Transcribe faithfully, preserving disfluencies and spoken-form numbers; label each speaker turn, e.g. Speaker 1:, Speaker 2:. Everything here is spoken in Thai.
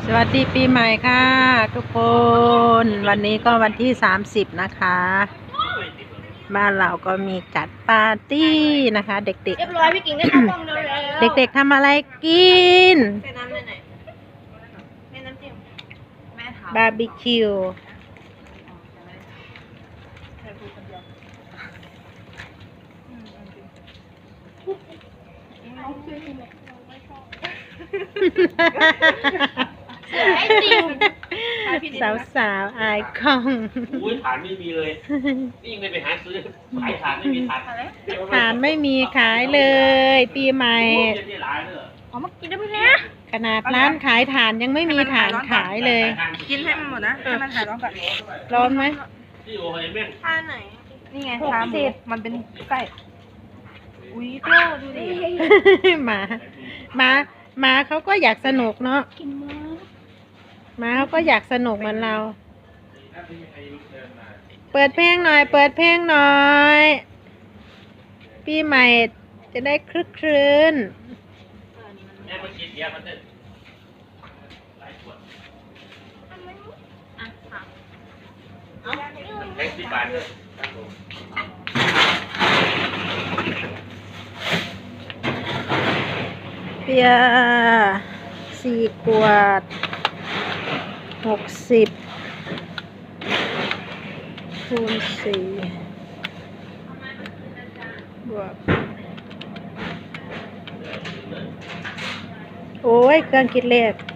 Speaker 1: สวัสดีปีใหม่ค่ะทุกคน วันนี้ก็วันที่สามสิบนะคะ บ้านเราก็มีจัดปาร์ตี้นะคะ เด็กๆ
Speaker 2: เรียบร้อยพี่กิ่งได้เข้ากล้องแล้ว
Speaker 1: เด็กๆทำอะไรกิน
Speaker 2: ใส่น้ำไหนใส่น้ำจิ้มแม่ถาม
Speaker 1: บาร์บีคิว
Speaker 2: ไอติม
Speaker 1: สาวสาวๆอายกล้อง
Speaker 3: อุ้ยฐานไม่มีเลย นี่ยังไม่ไปหาซื้อขายฐานไม่มีฐาน
Speaker 1: ฐานไม่มีขายเลย ปีใหม่
Speaker 3: เดี๋ยวนี้หลายเลย
Speaker 2: เอามากินได้ไหมเนี่ย
Speaker 1: ขนาดร้านขายฐานยังไม่มีฐานขายเลย
Speaker 2: กินให้มันหมดนะให้มันหายร้อนก่อน
Speaker 1: ร้อนไหม
Speaker 3: ที่โอ้ยแม่ง
Speaker 2: ท่าไหนนี่ไงทาหมูมันเป็นไก่อุ้ยโตดูดิ
Speaker 1: หมาหมาหมาเขาก็อยากสนุกเนาะ
Speaker 2: กินมา
Speaker 1: หมาเขาก็อยากสนุกเหมือนเรา เปิดเพลงหน่อย เปิดเพลงหน่อย ปีใหม่จะได้คลึกครื้น
Speaker 3: แม่มากินเบียร์มันเถอะหลายขวด
Speaker 2: อ่ะค่ะ
Speaker 3: แท็กซี่บาทเลยครับผม
Speaker 1: เบียร์สี่ขวดหกสิบคูณสี่บวกโอ้ยเครื่องคิดเลข